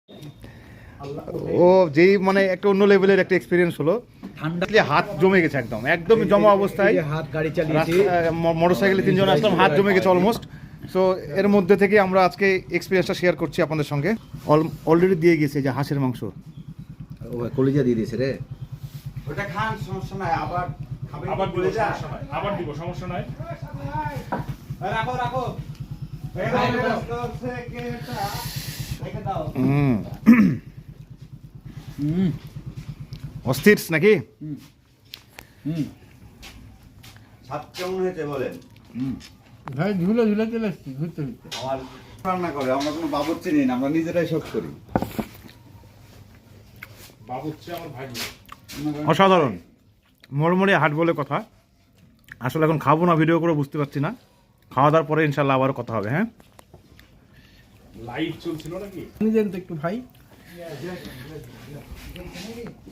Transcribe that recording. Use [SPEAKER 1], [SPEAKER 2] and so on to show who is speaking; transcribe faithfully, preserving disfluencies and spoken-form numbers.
[SPEAKER 1] ও যেই মানে একটা অন্য লেভেলের একটা এক্সপিরিয়েন্স হলো। ঠান্ডা হাত জমে গেছে, একদম একদম জমা অবস্থায়
[SPEAKER 2] হাত গাড়ি চালিয়েছি,
[SPEAKER 1] মোটরসাইকেলে তিনজন আসলাম, হাত জমে গেছে অলমোস্ট। সো এর মধ্যে থেকে আমরা আজকে এক্সপিরিয়েন্সটা শেয়ার করছি আপনাদের সঙ্গে। অলরেডি দিয়ে গেছে যে হাঁসের মাংস,
[SPEAKER 2] ও কলিজা দিয়ে দিয়েছে রে।
[SPEAKER 3] ওটা খান, সমস্যা নাই। আবার
[SPEAKER 4] আবার দিব, সমস্যা নাই, আবার দিব, সমস্যা নাই।
[SPEAKER 3] রাখো রাখো।
[SPEAKER 1] হুম অস্থির নাকি?
[SPEAKER 3] স্বাদ কেমন হয়েছে বলেন?
[SPEAKER 5] ভাই ঝুলে ঝুলে চলে এসছি ঘুরতে ঘুরতে।
[SPEAKER 3] আমার রান্না করে, আমরা কোনো বাবুর্চি নেই না, আমরা নিজেরাই সব করি।
[SPEAKER 4] বাবুর্চি আমার ভাই।
[SPEAKER 1] অসাধারণ, মরমরে হাট বলে কথা। আসলে এখন খাবো না, ভিডিও করে বুঝতে পারছি না। খাওয়া দাওয়ার পরে ইনশাল্লাহ আবার কথা হবে। হ্যাঁ,
[SPEAKER 4] লাইভ চলছিল নাকি?
[SPEAKER 5] নিজের তো একটু ভাই